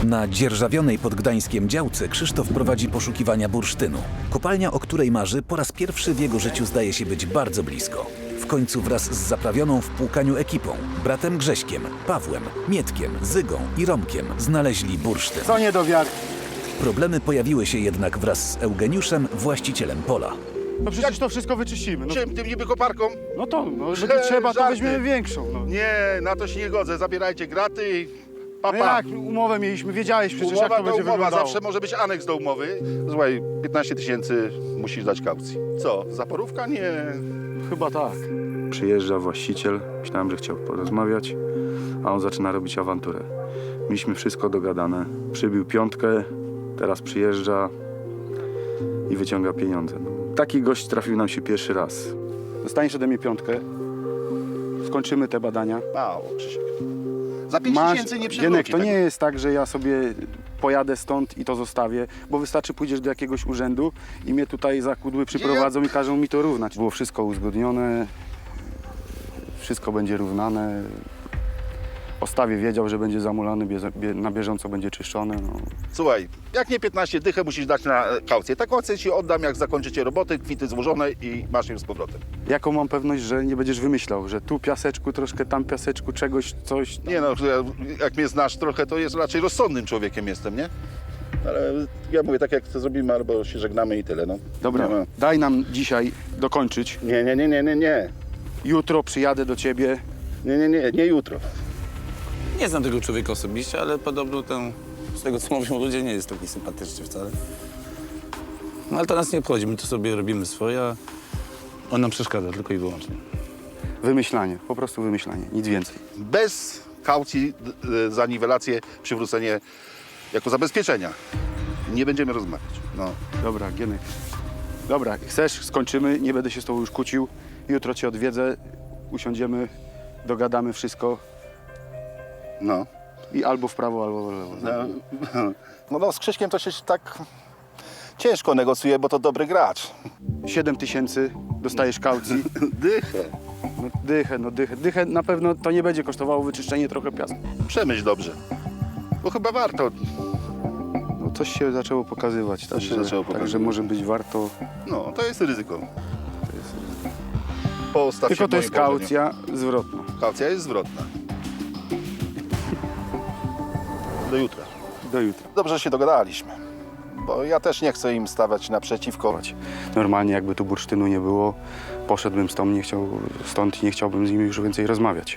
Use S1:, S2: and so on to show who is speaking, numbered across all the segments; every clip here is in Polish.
S1: Na dzierżawionej pod Gdańskiem działce Krzysztof prowadzi poszukiwania bursztynu. Kopalnia, o której marzy, po raz pierwszy w jego życiu zdaje się być bardzo blisko. W końcu wraz z zaprawioną w płukaniu ekipą, bratem Grześkiem, Pawłem, Mietkiem, Zygą i Romkiem znaleźli bursztyn.
S2: Co nie do wiary.
S1: Problemy pojawiły się jednak wraz z Eugeniuszem, właścicielem pola.
S2: No przecież to wszystko wyczyścimy. No,
S3: Czym, tym niby koparką?
S2: żeby trzeba, to
S3: Żarty.
S2: weźmiemy większą. No.
S3: Nie, na to się nie godzę. Zabierajcie graty i
S2: No
S3: papa.
S2: jak, umowę mieliśmy, wiedziałeś przecież
S3: Umowa
S2: jak to
S3: to
S2: będzie
S3: umowa,
S2: wyglądało.
S3: zawsze może być aneks do umowy. Słuchaj, 15 000 musisz dać kaucji. Co, zaporówka? Nie.
S2: Chyba tak.
S4: Przyjeżdża właściciel, myślałem, że chciał porozmawiać, a on zaczyna robić awanturę. Mieliśmy wszystko dogadane. Przybił piątkę, teraz przyjeżdża i wyciąga pieniądze. Taki gość trafił nam się pierwszy raz.
S2: Dostaniesz ode mnie piątkę, skończymy te badania.
S3: Mało, Krzysiek. Za 5 000 nie
S2: Gienek,
S3: przewróci.
S2: to nie jest tak, że ja sobie pojadę stąd i to zostawię, bo wystarczy pójdziesz do jakiegoś urzędu i mnie tutaj za kudły przyprowadzą i każą mi to równać. Było wszystko uzgodnione, wszystko będzie równane. O stawie wiedział, że będzie zamulany, na bieżąco będzie czyszczony. No.
S3: Słuchaj, jak nie 15 dychę musisz dać na kaucję. Taką kaucję ci oddam, jak zakończycie roboty, kwity złożone i masz ją z powrotem.
S2: Jaką mam pewność, że nie będziesz wymyślał, że tu piaseczku, troszkę tam piaseczku, czegoś, coś.
S3: Nie no, jak mnie znasz trochę, to jest raczej rozsądnym człowiekiem jestem, nie? Ale ja mówię tak, jak to zrobimy, albo się żegnamy i tyle, no.
S2: Dobra,
S3: Nie, ma.
S2: daj nam dzisiaj dokończyć.
S3: Nie.
S2: Jutro przyjadę do ciebie.
S3: Nie jutro.
S5: Nie znam tego człowieka osobiście, ale podobno ten, z tego co mówią ludzie, nie jest taki sympatyczny wcale. No ale to nas nie obchodzi, my to sobie robimy swoje, a on nam przeszkadza tylko i wyłącznie.
S2: Wymyślanie, po prostu wymyślanie, nic więcej.
S3: Bez kaucji za niwelację, przywrócenie jako zabezpieczenia. Nie będziemy rozmawiać. No.
S2: Dobra, Gienek. Dobra, chcesz, skończymy, nie będę się z tobą już kłócił. Jutro cię odwiedzę, usiądziemy, dogadamy wszystko
S3: No.
S2: i albo w prawo, albo w lewo.
S3: No, z Krzyśkiem to się tak ciężko negocjuje, bo to dobry gracz.
S2: 7 000 dostajesz kaucji.
S3: Dychę.
S2: Dychę na pewno to nie będzie kosztowało wyczyszczenie trochę piasku.
S3: Przemyśl dobrze. Bo chyba warto.
S2: No coś się zaczęło pokazywać,
S3: Coś się zaczęło
S2: także
S3: pokazywać.
S2: może być warto.
S3: No, to jest ryzyko. Postaw się
S2: Tylko
S3: w
S2: to
S3: moim
S2: jest
S3: położeniu.
S2: kaucja zwrotna.
S3: Kaucja jest zwrotna. Do jutra.
S2: Do jutra.
S3: Dobrze, że się dogadaliśmy. Bo ja też nie chcę im stawać naprzeciwko.
S2: Normalnie jakby tu bursztynu nie było, poszedłbym stąd i nie chciałbym z nimi już więcej rozmawiać.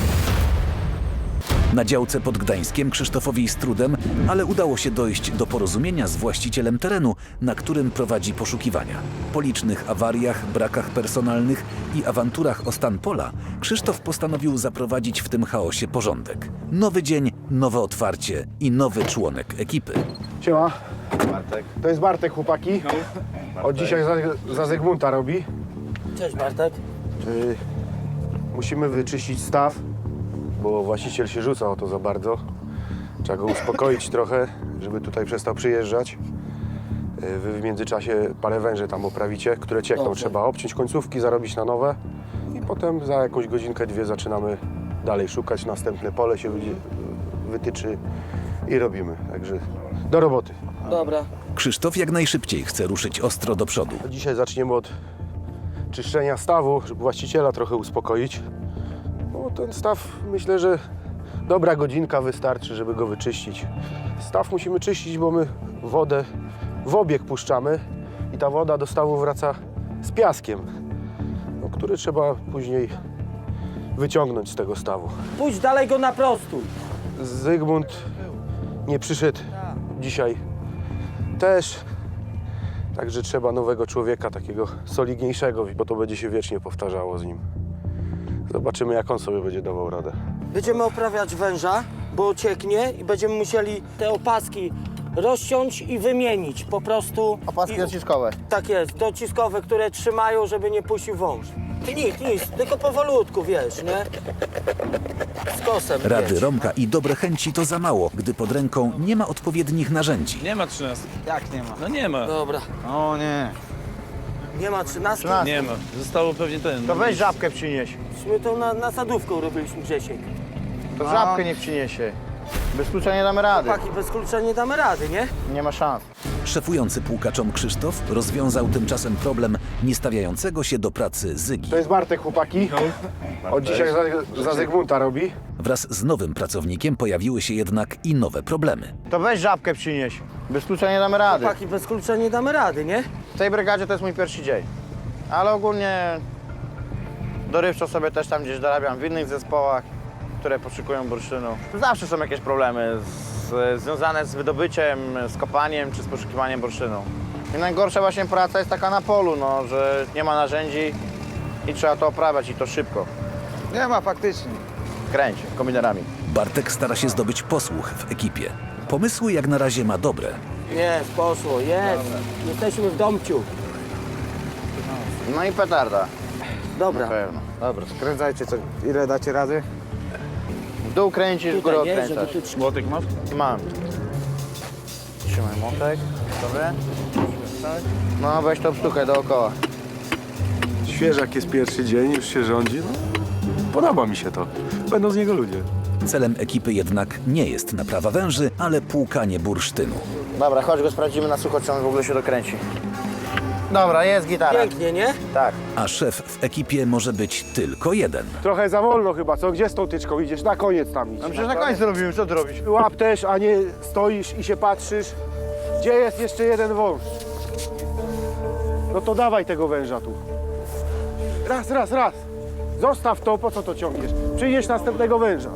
S1: Na działce pod Gdańskiem Krzysztofowi z trudem, ale udało się dojść do porozumienia z właścicielem terenu, na którym prowadzi poszukiwania. Po licznych awariach, brakach personalnych i awanturach o stan pola, Krzysztof postanowił zaprowadzić w tym chaosie porządek. Nowy dzień, nowe otwarcie i nowy członek ekipy.
S2: Siema. Bartek. To jest Bartek, chłopaki. Od dzisiaj za Zygmunta robi.
S6: Cześć Bartek.
S2: Musimy wyczyścić staw, bo właściciel się rzuca o to za bardzo. Trzeba go uspokoić trochę, żeby tutaj przestał przyjeżdżać. Wy w międzyczasie parę węży tam oprawicie, które ciekną.
S6: Dobrze.
S2: Trzeba obciąć końcówki, zarobić na nowe i potem za jakąś godzinkę, dwie zaczynamy dalej szukać. Następne pole się wytyczy i robimy. Także do roboty.
S6: Dobra.
S1: Krzysztof jak najszybciej chce ruszyć ostro do przodu.
S2: Dzisiaj zaczniemy od czyszczenia stawu, żeby właściciela trochę uspokoić. No, ten staw, myślę, że dobra godzinka wystarczy, żeby go wyczyścić. Staw musimy czyścić, bo my wodę w obieg puszczamy i ta woda do stawu wraca z piaskiem, no, który trzeba później wyciągnąć z tego stawu.
S6: Pójdź dalej go naprostuj.
S2: Zygmunt nie przyszedł dzisiaj też. Także trzeba nowego człowieka, takiego solidniejszego, bo to będzie się wiecznie powtarzało z nim. Zobaczymy, jak on sobie będzie dawał radę.
S6: Będziemy oprawiać węża, bo cieknie i będziemy musieli te opaski rozciąć i wymienić po prostu.
S7: Opaski dociskowe.
S6: Tak jest, dociskowe, które trzymają, żeby nie puścił wąż. Nic, tylko powolutku, wiesz, nie? Z kosem,
S1: Rady
S6: wiesz.
S1: Romka i dobre chęci to za mało, gdy pod ręką nie ma odpowiednich narzędzi.
S5: Nie ma 13.
S7: Jak nie ma?
S5: No nie ma.
S6: Dobra,
S7: O nie.
S6: nie ma 13?
S5: Nie ma. Zostało pewnie ten.
S7: To weź żabkę przynieś.
S6: My to na sadówką robiliśmy, Grzesiek.
S7: To żabkę nie przyniesie. Bez klucza nie damy rady.
S6: Chłopaki, bez klucza nie damy rady, nie?
S7: Nie ma szans.
S1: Szefujący pułkaczom Krzysztof rozwiązał tymczasem problem niestawiającego się do pracy Zygi.
S2: To jest Bartek, chłopaki. Od dzisiaj za Zygmunta robi.
S1: Wraz z nowym pracownikiem pojawiły się jednak i nowe problemy.
S7: To weź żabkę przynieś. Bez klucza nie damy rady.
S6: Chłopaki, bez klucza nie damy rady, nie?
S7: W tej brygadzie to jest mój pierwszy dzień. Ale ogólnie dorywczo sobie też tam gdzieś dorabiam w innych zespołach, które poszukują bursztynu. Zawsze są jakieś problemy związane z wydobyciem, z kopaniem czy z poszukiwaniem bursztynu. I najgorsza właśnie praca jest taka na polu, no, że nie ma narzędzi i trzeba to oprawiać i to szybko. Nie ma faktycznie. Kręć kombinerami.
S1: Bartek stara się zdobyć posłuch w ekipie. Pomysły jak na razie ma dobre.
S6: Jest, poszło, jest. Jesteśmy w domciu.
S7: No i petarda.
S6: Dobra.
S7: Na pewno.
S8: Dobra, skręcajcie, co, ile dacie rady?
S7: W dół kręcisz, w górę
S6: Tutaj, nie?
S7: odkręcasz.
S6: Żeby tu...
S5: Młotek masz?
S7: Mam. Trzymaj młotek. Dobry. No weź tą sztukę dookoła.
S4: Świeżak jest pierwszy dzień, już się rządzi. No, podoba mi się to. Będą z niego ludzie.
S1: Celem ekipy jednak nie jest naprawa węży, ale płukanie bursztynu.
S7: Dobra, chodź go sprawdzimy na sucho, czy on w ogóle się dokręci. Dobra, jest gitara.
S6: Pięknie, nie?
S7: Tak.
S1: A szef w ekipie może być tylko jeden.
S2: Trochę za wolno chyba, co? Gdzie z tą tyczką idziesz? Na koniec tam idź.
S7: No przecież na końcu robimy, co ty robisz?
S2: Łap też, a nie stoisz i się patrzysz. Gdzie jest jeszcze jeden wąż? No to dawaj tego węża tu. Raz. Zostaw to, po co to ciągniesz? Przynieś następnego węża.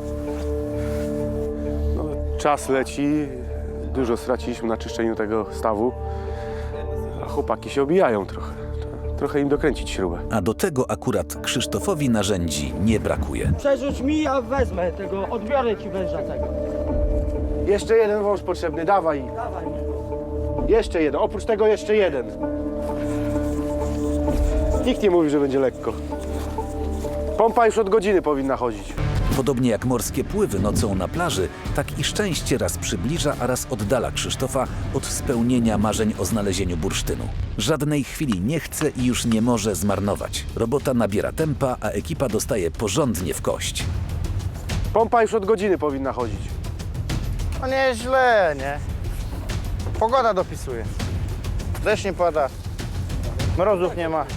S2: No, czas leci. Dużo straciliśmy na czyszczeniu tego stawu. A chłopaki się obijają trochę. Trochę im dokręcić śrubę.
S1: A do tego akurat Krzysztofowi narzędzi nie brakuje.
S6: Przerzuć mi, ja wezmę tego, odbiorę ci węża tego.
S2: Jeszcze jeden wąż potrzebny, dawaj.
S6: Dawaj.
S2: Jeszcze jeden, oprócz tego jeszcze jeden. Nikt nie mówi, że będzie lekko. Pompa już od godziny powinna chodzić.
S1: Podobnie jak morskie pływy nocą na plaży, tak i szczęście raz przybliża, a raz oddala Krzysztofa od spełnienia marzeń o znalezieniu bursztynu. Żadnej chwili nie chce i już nie może zmarnować. Robota nabiera tempa, a ekipa dostaje porządnie w kość.
S2: Pompa już od godziny powinna chodzić.
S7: No nieźle, nie? Pogoda dopisuje. Deszcz nie pada. Mrozów nie ma.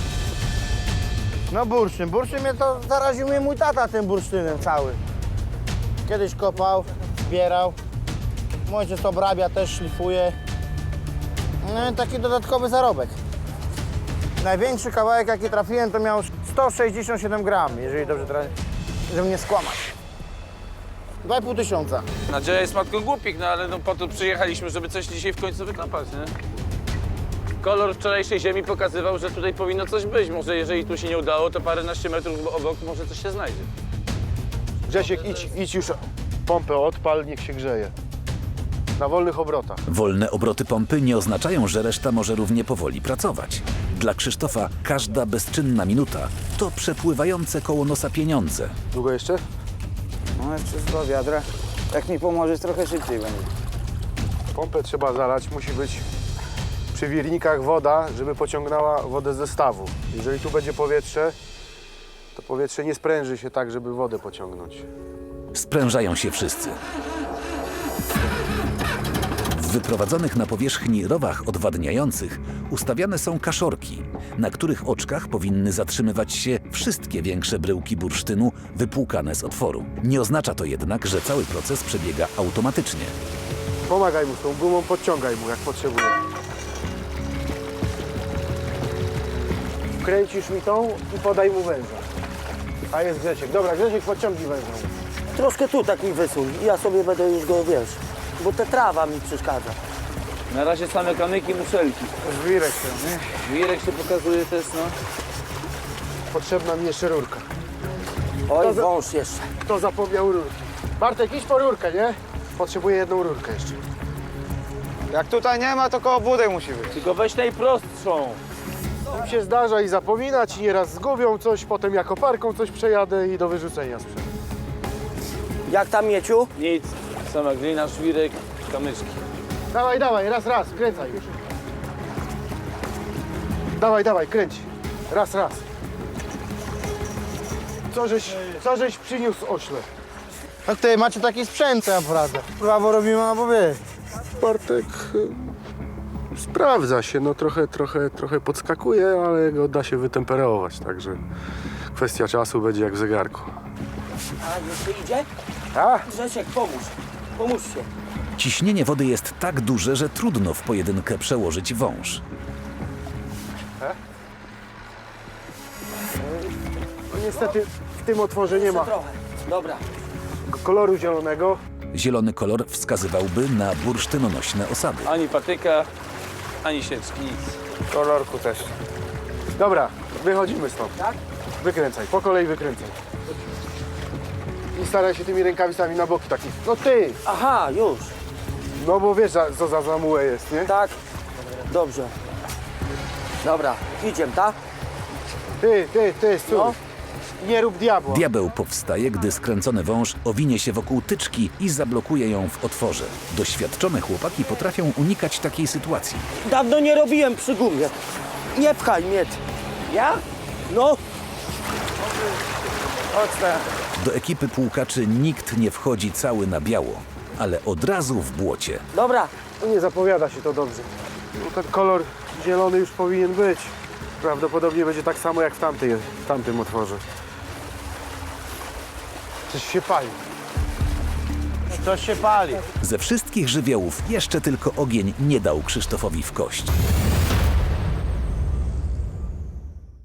S7: No bursztyn mnie to zaraził mnie mój tata tym bursztynem cały. Kiedyś kopał, zbierał. Mój ojciec obrabia, też szlifuje. No i taki dodatkowy zarobek. Największy kawałek jaki trafiłem to miał 167 gram, jeżeli dobrze trafię, żeby nie skłamać. 2,5 tysiąca.
S5: Nadzieja jest matką głupich, no ale no po to przyjechaliśmy, żeby coś dzisiaj w końcu wykopać, nie? Kolor wczorajszej ziemi pokazywał, że tutaj powinno coś być. Może jeżeli tu się nie udało, to paręnaście metrów obok może coś się znajdzie.
S2: Grzesiek, idź już pompę odpal, niech się grzeje. Na wolnych obrotach.
S1: Wolne obroty pompy nie oznaczają, że reszta może równie powoli pracować. Dla Krzysztofa każda bezczynna minuta to przepływające koło nosa pieniądze.
S2: Długo jeszcze?
S8: No jeszcze z 2 wiadra. Jak mi pomożesz, trochę szybciej będzie.
S2: Pompę trzeba zalać, musi być przy wirnikach woda, żeby pociągnęła wodę ze stawu. Jeżeli tu będzie powietrze, to powietrze nie spręży się tak, żeby wodę pociągnąć.
S1: Sprężają się wszyscy. W wyprowadzonych na powierzchni rowach odwadniających ustawiane są kaszorki, na których oczkach powinny zatrzymywać się wszystkie większe bryłki bursztynu wypłukane z otworu. Nie oznacza to jednak, że cały proces przebiega automatycznie.
S2: Pomagaj mu z tą gumą, podciągaj mu jak potrzebuje. Kręcisz mi tą i podaj mu węża. A jest Grzesiek. Dobra, Grzesiek, podciągnij węża.
S6: Troszkę tu tak mi wysuń i ja sobie będę już go, wiesz, bo ta trawa mi przeszkadza.
S5: Na razie same kamyki, muszelki.
S2: Żwirek ten, nie?
S5: Żwirek się pokazuje też, no.
S2: Potrzebna mi jeszcze rurka.
S6: Oj, wąż jeszcze.
S2: Kto zapomniał rurki? Bartek, idź po rurkę, nie? Potrzebuję jedną rurkę jeszcze.
S8: Jak tutaj nie ma, to koło budek musi być.
S5: Tylko weź najprostszą.
S2: Im się zdarza i zapominać, i nieraz zgubią coś, potem ja koparką coś przejadę i do wyrzucenia sprzęt.
S6: Jak tam, Mieciu?
S5: Nic, sama glina, żwirek, kamyczki.
S2: Dawaj, raz, kręcaj już. Dawaj, kręć. Raz. Co żeś przyniósł, ośle?
S7: A ty macie taki sprzęt, co ja poradzę. Prawo robimy albo wy.
S2: Bartek sprawdza się, no trochę podskakuje, ale go da się wytemperować, także kwestia czasu będzie jak w zegarku.
S6: A jeszcze idzie?
S2: A?
S6: Grzesiek, pomóż. Pomóż się.
S1: Ciśnienie wody jest tak duże, że trudno w pojedynkę przełożyć wąż.
S2: No niestety w tym otworze nie ma
S6: Trochę. Dobra.
S2: koloru zielonego.
S1: Zielony kolor wskazywałby na bursztynonośne osady.
S5: Ani patyka, ani sieczki.
S2: Kolorku też. Dobra, wychodzimy stąd.
S6: Tak?
S2: Wykręcaj, po kolei wykręcaj. I staraj się tymi rękawicami na boki takich. No ty!
S6: Aha, już.
S2: No bo wiesz, co za zamułę jest, nie?
S6: Tak? Dobrze. Dobra, idziemy, tak?
S2: Ty, stój.
S6: No.
S2: Nie rób diabła.
S1: Diabeł powstaje, gdy skręcony wąż owinie się wokół tyczki i zablokuje ją w otworze. Doświadczone chłopaki potrafią unikać takiej sytuacji.
S6: Dawno nie robiłem przy gumie. Nie pchaj mnie. Ja? No.
S1: Do ekipy płukaczy nikt nie wchodzi cały na biało, ale od razu w błocie.
S6: Dobra.
S2: No nie zapowiada się to dobrze. No ten kolor zielony już powinien być. Prawdopodobnie będzie tak samo jak w tamtym otworze. Coś się pali.
S7: Coś się pali.
S1: Ze wszystkich żywiołów jeszcze tylko ogień nie dał Krzysztofowi w kość.